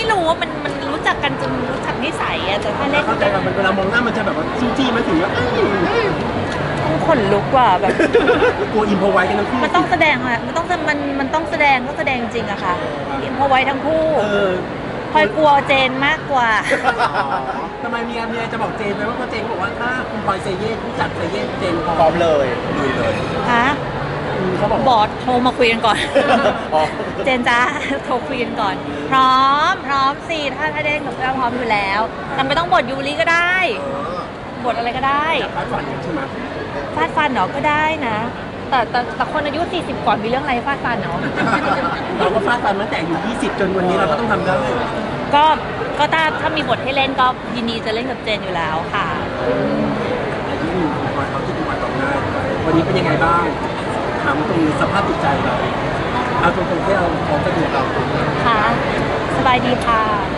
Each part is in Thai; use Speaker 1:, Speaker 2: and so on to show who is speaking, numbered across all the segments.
Speaker 1: รู้ว่ามันรู้จักกันจนรู้จักนิสัยอะแต่ถ้าเล่น
Speaker 2: เข้าใจว่าเวลามองหน้ามันจะแบบว่าจี้ๆมาถึงว่า
Speaker 1: ต้องขนลุกกว่าแบบ
Speaker 2: กลัวอิมพอไว้กันทั้งคู่
Speaker 1: มันต้องแสดงอะมันต้องแสดงต้องแสดงจริงอะค่ะเพราะไว้ทั้งคู่
Speaker 2: เออ
Speaker 1: พลอยกลัวเจนมากกว่า
Speaker 2: ทำไมเมียจะบอกเจนไหมว่าเจนบอกว่าถ้าคุณพลอยเซเย่ผู้จัดเซเย่เจนพ
Speaker 3: พร้
Speaker 2: ร้
Speaker 3: อ
Speaker 2: อ
Speaker 3: ม
Speaker 2: ม
Speaker 3: เลยลุยเลย
Speaker 1: ฮะ
Speaker 2: เขาบอก
Speaker 1: บอสโทรมาคุยกันก่อน
Speaker 3: อ๋อ
Speaker 1: เจนจ้า โทรคุยกันก่อน พร้อมสิถ้าได้เล่นกับเราพร้อมอยู่แล้วแต่ไม่ต้องบทยูริก็ได้ บทอะไรก็ได้
Speaker 2: คาดฝันใช่ไหม
Speaker 1: ฟาดฟันเนาะก็ได้นะ แต่คนอายุ 40 ก่อนมีเรื่องอะไรฟาดฟันเนาะ
Speaker 2: เราก็ฟาดฟันตั้งแต่อายู่20 จนวันนี้เราก็ต้องทำได้
Speaker 1: ก็ถ้ามีบทให้เล่นก็ยินดีจะเล่นกับเจนอยู่แล้วค่ะ
Speaker 2: ที่คุณพลอยเขาที่คุณพลอยตอบได้วันนี้เป็นยังไงบ้างถามตรงสภาพจิตใจเราเอาตรงๆที่เราพร้อมจะดูเรา
Speaker 1: ค่ะ สบายดีค่ะ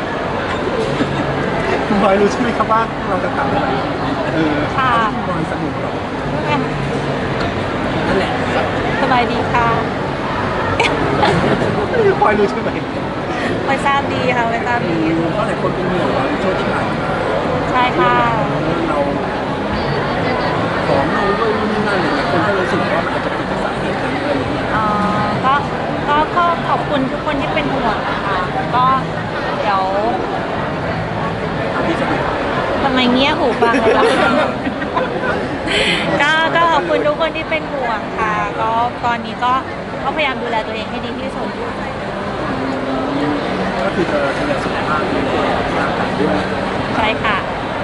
Speaker 2: คุณพลอยรู้ใช่ไหมครับว่าเราจะทำอะไร
Speaker 1: ค่ะ
Speaker 2: คุณพลอยสนุกหรอนั่นแหละ
Speaker 1: สบายดีค่ะ
Speaker 2: พลอยรู้ใช่ไหม
Speaker 1: ไปทราบดีค่ะไปทราบดี
Speaker 2: เพราะหลายคนเป็นห่วงเราในช่วงที่ผ่านมา
Speaker 1: ใช่ค่ะ
Speaker 2: เราผอมลงด้วยนู่นนี่นั่นอะไรเงี้ยคนก็รู้สึกว่ามันอาจจะเป็นสาเหตุนั้นอะไรอย่างเงี้ย
Speaker 1: ก็ขอบคุณทุกคนที่เป็นห่วงนะคะก็เดี๋ยว
Speaker 2: ที่สนุก
Speaker 1: ทำไมเงี้ยหูฟังเลยล่ะ ก็ขอบคุณทุกคนที่เป็นห่วงค่ะ ก็ตอนนี้ก็พยายามดูแลตัวเองให้ดีที่สุด
Speaker 2: ก็คือจะดูแลสุขภาพดูแลร่างกายด้วย
Speaker 1: ใช่ค่ะ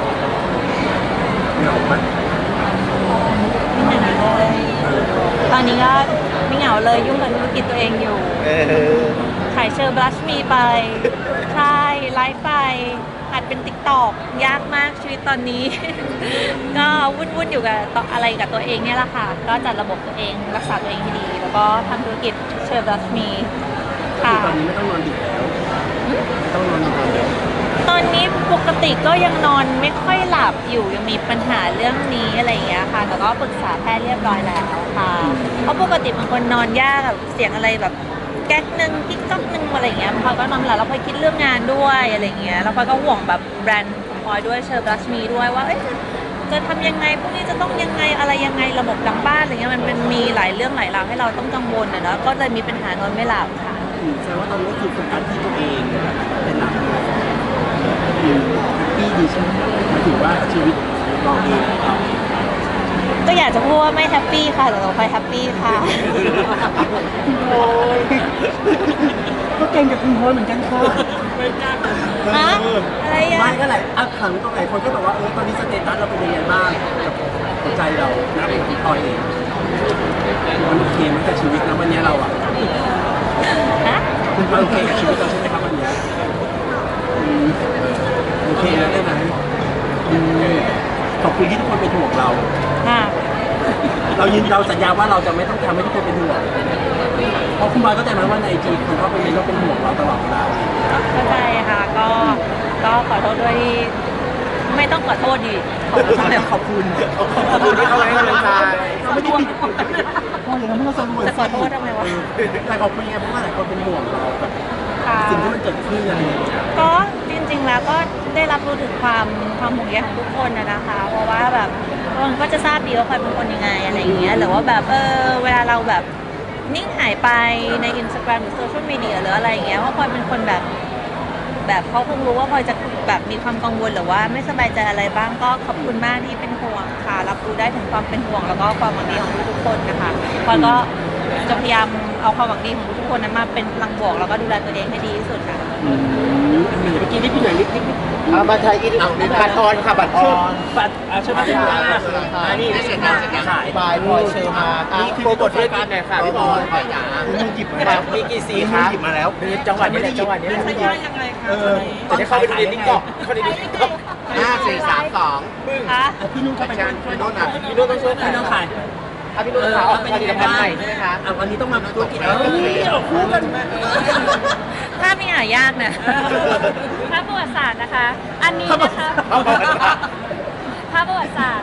Speaker 2: เหงาไหม
Speaker 1: ไม่เหงาเลย ตอนนี้ก็ไม่เหงาเลยยุ่งกับธุรกิจตัวเองอยู่
Speaker 3: เออ
Speaker 1: ขายเชอร์บลัชมีไป ใช่ไลฟ์ไปหัดเป็นติ๊กตอกยากมากชีวิตตอนนี้ ก็วุ่นอยู่กับอะไรกับตัวเองเนี่ยแหละค่ะ ก็จัดระบบตัวเองรักษาตัวเองให้ดี แล้วก็ทำธุรกิจเชอร์บลัชมีค่ะ
Speaker 2: ตอนนี้ไม่ต้องนอนดึกแล้วไม่ต้องนอนดึกแล้ว
Speaker 1: ตอนนี้ปกติก็ยังนอนไม่ค่อยหลับอยู่ยังมีปัญหาเรื่องนี้อะไรอย่างเงี้ยค่ะแต่ก็ปรึกษาแพทย์เรียบร้อยแล้วค่ะเพราะปกติบางคนนอนยากแบบเสียงอะไรแบบแก๊กนึงกิ๊กก๊อกนึงอะไรอย่างเงี้ยพลอยก็นอนไม่หลับแล้วพลอยคิดเรื่องงานด้วยอะไรอย่างเงี้ยแล้วพลอยก็ห่วงแบบแบรนด์ของพลอยด้วยเชอร์บลัชมีด้วยว่าจะทำยังไงพวกนี้จะต้องยังไงอะไรยังไงระบบหลังบ้านอะไรเงี้ยมันเป็นมีหลายเรื่องหลายราวให้เราต้องกังวลนะเนาะก็เลยมีปัญหานอนไม่หลับค่ะ
Speaker 2: แสดงว่าตอนนี้ก็คือโฟกัสที่ตัวเองเป็นหลักพี่ดีใช่ไหมหมายถึงว่าชีวิตเราเอง
Speaker 1: ก็อยากจะพูดว่าไม่แฮปปี้ค่ะแต่เราไปแฮปปี้ค่ะ
Speaker 2: โอ้ยก็เก่งกับคุณพลอยเหมือนกันค่ะ
Speaker 1: ฮะอะไรอ่ะ
Speaker 2: ไม่ก็หลายถามตรงไหนคนก็แบบว่าตอนนี้สเตตัสเราเป็นยังไงบ้างกับหัวใจเรานะเป็นพลอยเองมันโอเคไหมกับชีวิตนะวันนี้เราอ่ะ
Speaker 1: ฮะ
Speaker 2: คุณโอเคกับชีวิตเราใช่ไหมครับวันนี้โอเคแล้วได้ไหมขอบคุณที่ทุกคนเป็นห่วงเรา
Speaker 1: ค่ะ
Speaker 2: เราสัญญาว่าเราจะไม่ต้องทำให้ทุกคนเป็นห่วงเพราะคุณบอยก็ใจไหมว่าในไอจีคนเขาเป็นเราเป็นห่วงเราตลอดเวลา
Speaker 1: เข้าใจค่ะก็ขอโทษด้วยที่ไม่ต้องขอโทษดีขอโทษ
Speaker 2: ขอบคุณ
Speaker 3: ขอบคุณที่เขาให้กำลังใจ
Speaker 2: เราไม่ได้ผิดพออย่างนั้นไม่ต้องสรุป
Speaker 1: จะขอโทษทำไมวะ
Speaker 2: แต่ขอบคุณไงเพราะว่าหลายคนเป็นห่วงเรากับ
Speaker 1: ค่ะ
Speaker 2: สิ่งที่มันเกิดขึ้นอะไรอย่างเงี้ย
Speaker 1: ก็จริงๆแล้วก็ได้รับรู้ถึงความห่วงใยของทุกคนนะคะ เพราะว่าแบบคนก็จะทราบดีว่าพลอยเป็นคนยังไงอะไรอย่างเงี้ยหรือว่าแบบเวลาเราแบบนิ่งหายไปใน Instagram หรือโซเชียลมีเดียหรืออะไรอย่างเงี้ยว่าพลอยเป็นคนแบบเขาคงรู้ว่าพลอยจะแบบมีความกังวลหรือว่าไม่สบายใจอะไรบ้างก็ขอบคุณมากที่เป็นห่วงค่ะรับรู้ได้ถึงความเป็นห่วงแล้วก็ความหวังดีของทุกๆคนนะคะพลอยก็จะพยายามเอาความหวังดีของทุกๆคนนั้นมาเป็นพลังบวกแล้วก็ดูแลตัวเองให้ดีที่สุดค่ะ
Speaker 2: เมื่อกี้นี่พี่หน่อยนิด
Speaker 3: บัตรไทยอินบัตรออนค่ะบัตรออน
Speaker 2: บัตรใช่ไหมนี่ได้เสร็จแล้วขาย
Speaker 3: บายพลอยเชอร์มานี่คือโปรโมทธุรกิจหน่อยค่ะพี่บอย
Speaker 2: หยิบมาแล้ว
Speaker 3: มีกี่สีคะ
Speaker 2: หยิบมาแล้ว
Speaker 3: จังหวัดนี้แหละจังหวัดนี้
Speaker 1: ไม่ได้ยังไงคะ
Speaker 3: จะได้เข้าไปดูในติ๊กต็อกเข้าไปดูในติ๊กต็อก
Speaker 4: 5 4 3 2
Speaker 1: คะ
Speaker 2: พี่นุ่นก็ไปช่วย
Speaker 4: พี่นุ่นอ่ะ
Speaker 3: พี่นุ่นต้องช่วย
Speaker 2: พี่นุ่นขาย
Speaker 3: พี่นุ่นเขาออกผลิตภัณฑ์ใหม่ใช่ไหมคะ
Speaker 2: วันนี้ต้องมาธุรกิจคู่กัน
Speaker 1: ภาพนี่หายากนะภาพประวัติศาสตร์นะคะ อันนี้นะคะภาพประวัติศาสตร์คือ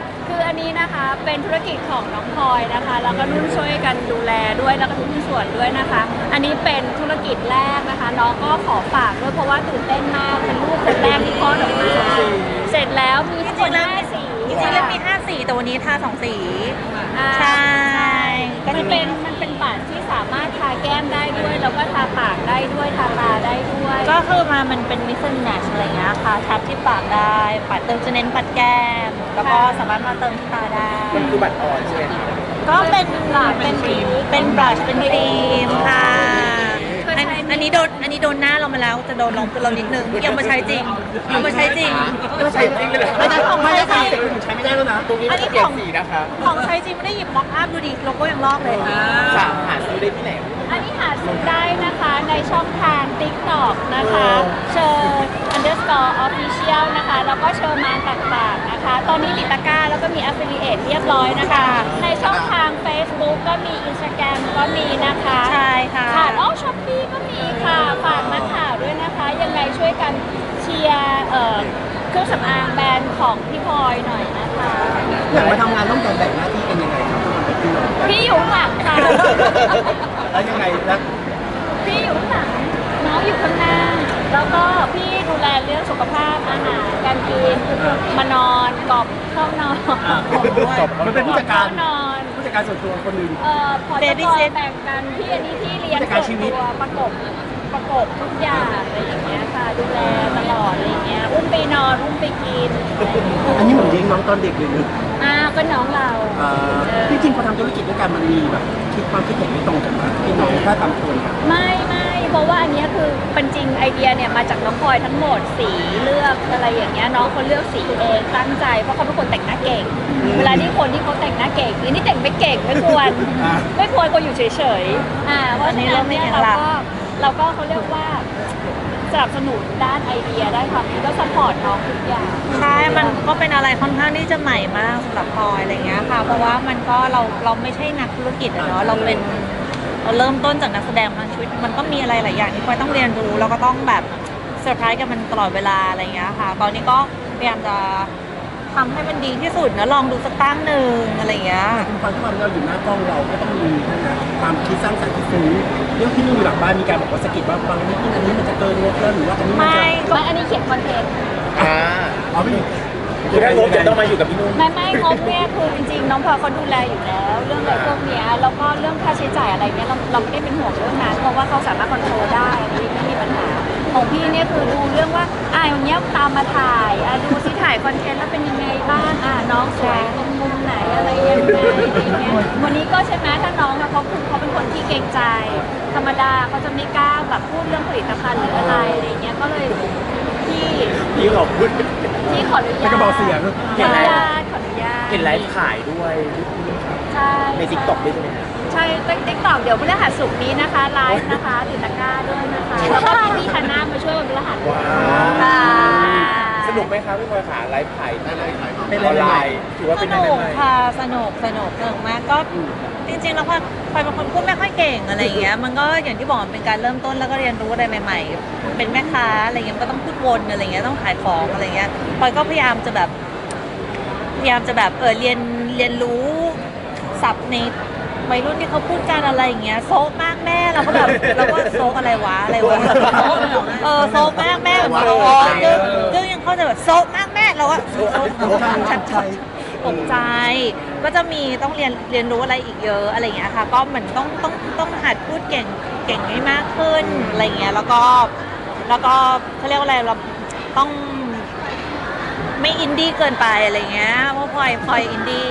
Speaker 5: อันนี้นะคะเป็นธุรกิจของน้องพลอยนะคะแล้วก็นุ่นช่วยกันดูแลด้วยแล้วก็ทุกส่วนด้วยนะคะ อันนี้เป็นธุรกิจแรกนะคะน้องก็ขอฝากด้วยเพราะว่าตื่นเต้นมากเป็นลูกคนแรกที่คลอดออกมาเสร็จแล้วมีทั้งหมด5 สี
Speaker 1: จริงๆแล้วมี5สีแต่วันนี้ทา2 สี ใช่ ก็
Speaker 5: มั
Speaker 1: จะ
Speaker 5: น
Speaker 1: มี
Speaker 5: เป็นบัตรที่สามารถทาแก้มได้ด้วยแล้วก็ทาปากได้ด้วยทาตาได้ด้วย
Speaker 1: ก็คือมันเป็นมิสเซนแนชอะไรเงี้ยค่ะทับที่ปากได้ปัดเติมจะเน้นปัดแก้ม แล้วก็สามารถมาเติมที่ตาได้
Speaker 3: มันคือบัตรอ่อนใช่ไหม
Speaker 1: ก็เป็นบลัชเป็นครีมเป็นครีมค่ะอันนี้โดนหน้าเรามาแล้วจะโดนลองเรานิดนึงยังมาใช้จริงยังมาใช้จริง
Speaker 3: ไม่ใช่จริงเลยเหรอ
Speaker 1: ไม่ใช่ของใช้จริง
Speaker 2: ใช้ไม่ได้แล้วนะ
Speaker 3: ตรงนี้มันจะเปลี่ยนสีนะคะ
Speaker 1: ของใช้จริงไม่ได้หยิบม็อกอัพดูดิโลโก้ยังลอกเลย
Speaker 3: สามหาซื้อได้ที่ไหน
Speaker 5: อันนี้หาซื้อได้นะคะในช่องทาง TikTok นะคะเชิญ underscore official นะคะแล้วก็เชิญมานต่างๆนะคะ ตอนนี้ติดตะกร้าแล้วก็มี affiliate เรียบร้อยนะคะ ในช่องทาง Facebook ก็มี Instagram ก็มีนะคะ
Speaker 1: ใช่ค่ะ
Speaker 5: ค่ะอ๋อ Shopee ก็มีค่ะ ฝากนักข่าวด้วยนะคะ ยังไงช่วยกันเชียร์เครื่องสำอางแบรนด์ของพี่พลอยหน่อยนะคะ
Speaker 2: อยากมาทำงานต้องการแบ่งหน้าที่กันยังไงครับทุกคนเป็นพี่น้อง
Speaker 5: พี่อยู่ข้างหลังค่ะ
Speaker 2: แล้วยังไงนะ
Speaker 5: พี่อยู่ข้างหลังน้องอยู่ข้างหน้า แล้วก็พี่ดูแลเรื่องสุขภาพอาหารการกินมานอนกรอบเข้านอน
Speaker 2: มันเป็นผู้จัดการ
Speaker 5: เข้านอน
Speaker 2: ผู้จัดการส่วนตัวคนหนึ่ง
Speaker 5: พอจะคอยแบ่งกันพี่อันนี้ที่เลี้ยง
Speaker 2: ผู้จัดการชีวิต
Speaker 5: ตัวประกบทุกอย่างอะไรอย่างเงี้ยค่ะดูแลตลอดอะไรอย่างเงี้ยอุ้มไปนอนอุ้มไปกิน
Speaker 2: อันนี้เหมือนเลี้ยงน้องตอนเด็กเลยนึก
Speaker 5: ก็น้องเรา
Speaker 2: จริงๆพอทำธุรกิจด้วยกันมันมีแบบคิดความคิดเห็นไม่ตรงกันนะพี่น้องถ้าทำคนกัน
Speaker 5: ไม่เพราะว่าอันเนี้ยคือเป็นจริงไอเดียเนี่ยมาจากน้องพลอยทั้งหมดสีเลือกอะไรอย่างเงี้ยน้องเขาเลือกสีเองตั้งใจเพราะเขาเป็นคนแต่งหน้าเก่ง เวลาที่คนที่เขาแต่งหน้าเก่งนี่แต่งไม่เก่งไม่ควรไม่ควรก็อยู่เฉยๆเพราะฉะนั้นเนี่ยเราก็เขาเรียกว่าสนับสนุนด้านไอเดียได้ความคิดก็สปอร์ตน้องทุกอย่าง
Speaker 1: ใช่ มันก็เป็นอะไรค่อนข้างที่จะใหม่มากสำหรับพลอยอะไรเงี้ยค่ะ เพราะว่ามันก็เราไม่ใช่นักธุรกิจอะเนาะ เราเริ่มต้นจากนักแสดงมาชีวิตมันก็มีอะไรหลายอย่างที่พลอยต้องเรียนรู้แล้วก็ต้องแบบเซอร์ไพรส์กับมันตลอดเวลาอะไรเงี้ยค่ะ ตอนนี้ก็พยายามจะทำให้มันดีที่สุดนะลองดูสักตั้งหนึ่งอะไรเงี้ย
Speaker 2: คุณฟังที่เราอยู่หน้ากล้องเราก็ต้องมีนะความคิดสร้างสรรค์ที่ฟุ้งเรื่องที่นู่นอยู่หลังบ้านมีการบอกว่าสะกิดว่าฟังนิดนึงอันนี้มันจะเกินงบแล้วหรือว่าอันนี้มันจะ
Speaker 5: ไม่อันนี้เขียนคอนเทนต์
Speaker 2: เอาไม่
Speaker 3: คือถ้างบจะต้องมาอยู่กับพี่นุ่น
Speaker 5: ไม่งบเนี่ยคือจริงๆน้องพลอยเขาดูแลอยู่แล้ว เรื่องอะไรพวกเนี้ยแล้วก็เรื่องค่าใช้จ่ายอะไรเนี่ยเราไม่ได้เป็นห่วงเรื่องนั้นเพราะว่าเขาสามารถคอนโทรลได้อันนี้ไม่มีปัญหาของพี่เนี่ยคือดูเรื่องว่าอย่างเงี้ยตามมาถ่ายดูซิถ่ายคอนเทนต์แล้วเป็นยังไงบ้างน้องสวยตรงมุมไหนอะไรยังไงอะไรเงี้ยวันนี้ก็ใช่ไหมถ้าน้องเขาเป็นคนที่เกรงใจธรรมดาเขาจะไม่กล้าแบบพูดเรื่องผลิตภัณฑ์หรืออะไรเงี้ยก็เลยพี่
Speaker 3: ขอบคุณ
Speaker 5: ที่ขออนุญาต
Speaker 2: ไม่กระบอกเสียง
Speaker 5: ขออนุญาตขออนุญาต
Speaker 3: เห็นไลฟ์ขายด้วย
Speaker 5: ใช่
Speaker 3: ในทิกตอกด้วยใช่ไหม
Speaker 5: ใช่ติ๊กต็อกเดี๋ยวพฤหัสศุกร์นี้นะคะไลฟ์นะคะติดตะกร้าด้วยนะคะแล้วก็พี่ธนามาช่วยวันพฤหัส
Speaker 3: ว้า
Speaker 5: ค่ะ
Speaker 3: สนุกไหมครับพี่พลอยขาไลฟ์ขายอ
Speaker 2: เป็น
Speaker 3: อน
Speaker 2: อะไร
Speaker 3: ไล
Speaker 2: ใหม่
Speaker 3: น์ถือว่า
Speaker 1: ส
Speaker 3: เป็นอะไร
Speaker 1: นุก
Speaker 3: ใหม่
Speaker 1: ค่ะสนุกมากก็จริงๆแล้วพลอยเป็นคนพูดไม่ค่อยเก่งอะไรอย่างเงี้ยมันก็อย่างที่บอกมันเป็นการเริ่มต้นแล้วก็เรียนรู้อะไรใหม่ๆเป็นแม่ค้าอะไรเงี้ยมันก็ต้องพูดวนอะไรเงี้ยต้องขายของอะไรเงี้ยพลอยก็พยายามจะแบบเรียนรู้ศัพท์ในวัยรุ่นที่เขาพูดกันอะไรอย่างเงี้ยโซกมากแม่เราก็แบบเราก็โซกอะไรวะโซกมากแม่ซึ่งยังเข้าใจแบบโซกมากแม่เราก็โซกชัดตกใจก็จะมีต้องเรียนรู้อะไรอีกเยอะอะไรอย่างเงี้ยค่ะก็เหมือนต้องหัดพูดเก่งให้มากขึ้นอะไรอย่างเงี้ยแล้วก็เขาเรียกว่าอะไรเราต้องไม่อินดี้เกินไปอะไรเงี้ยเพราะพลอยอินดี้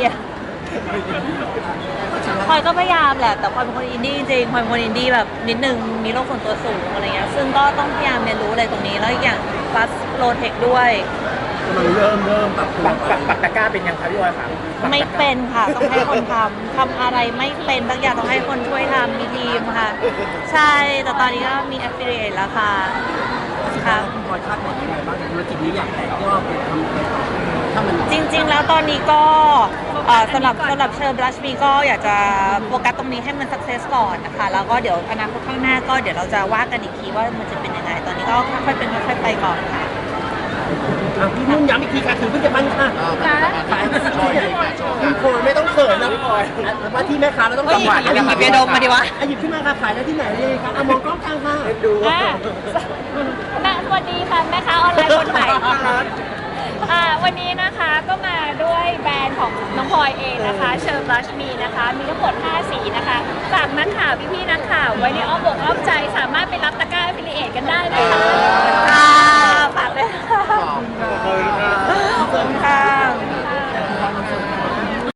Speaker 1: พลอยก็พยายามแหละแต่พลอยเป็นคนอินดี้จริงพลอยเป็นคนอินดี้แบบนิดนึงมีโลกส่วนตัวสูงอะไรเงี้ยซึ่งก็ต้องพยายามเรียนรู้อะไรตรงนี้แล้วอีกอย่างฟัสโลเทคด้วย
Speaker 2: มันเริ่มปรับตัว
Speaker 3: ปักตะกร้าเป็นยังครับพี่พลอยขา
Speaker 1: ไม่เป็นค่ะต้องให้คนทำอะไรไม่เป็นบางอย่างต้องให้คนช่วยทำมีทีมค่ะ ใช่แต่ตอนนี้ก็มี affiliate แล้วค่ะค่ะ
Speaker 2: คุณพลอยคาดหวังยังไงบ้างธุรกิจนี้อยากแตกยอดไปทำอะไรต่อถ้ามัน
Speaker 1: จริงๆ แล้วตอนนี้ก็สำหรับเชิญบลัชมีก็อยากจะโฟกัสตรงนี้ให้มันสักเซสก่อนนะคะแล้วก็เดี๋ยวอนาคตข้างหน้าก็เดี๋ยวเราจะว่ากันอีกทีว่ามันจะเป็นยังไงตอนนี้ก็ค่อยๆเป็นค่อยๆไปก่อนค่ะ
Speaker 2: พี่นุ่นย้ำอีกทีค่ะถือเพิ่งจะปั้นค่ะ
Speaker 5: ค่ะ
Speaker 2: ขายพี่พลอยไม่ต้องเขินนะพี่พลอยว่าที่แม่ค้าเราต้อง
Speaker 1: เฮ้ย
Speaker 2: กำหวัด
Speaker 1: หยิบยาดมมาดิวะ
Speaker 2: หยิบขึ้นมาค่ะขายได้ที่ไหนเลยค่ะมองกล้องกลางค่ะดู
Speaker 5: อ่าสวัสดีค่ะแม่ค้าออนไลน์คนใหม่วันนี้นะคะก็มาด้วยแบรนด์ของน้องพลอยเองนะคะเชิญรัชมีนะคะมีทั้งหมด5สีนะคะฝากนักข่าวพี่ๆนักข่าวไว้ในอ้อมอกอ้อมใจสามารถไปรับตะกร้า affiliate กันได้นะคะ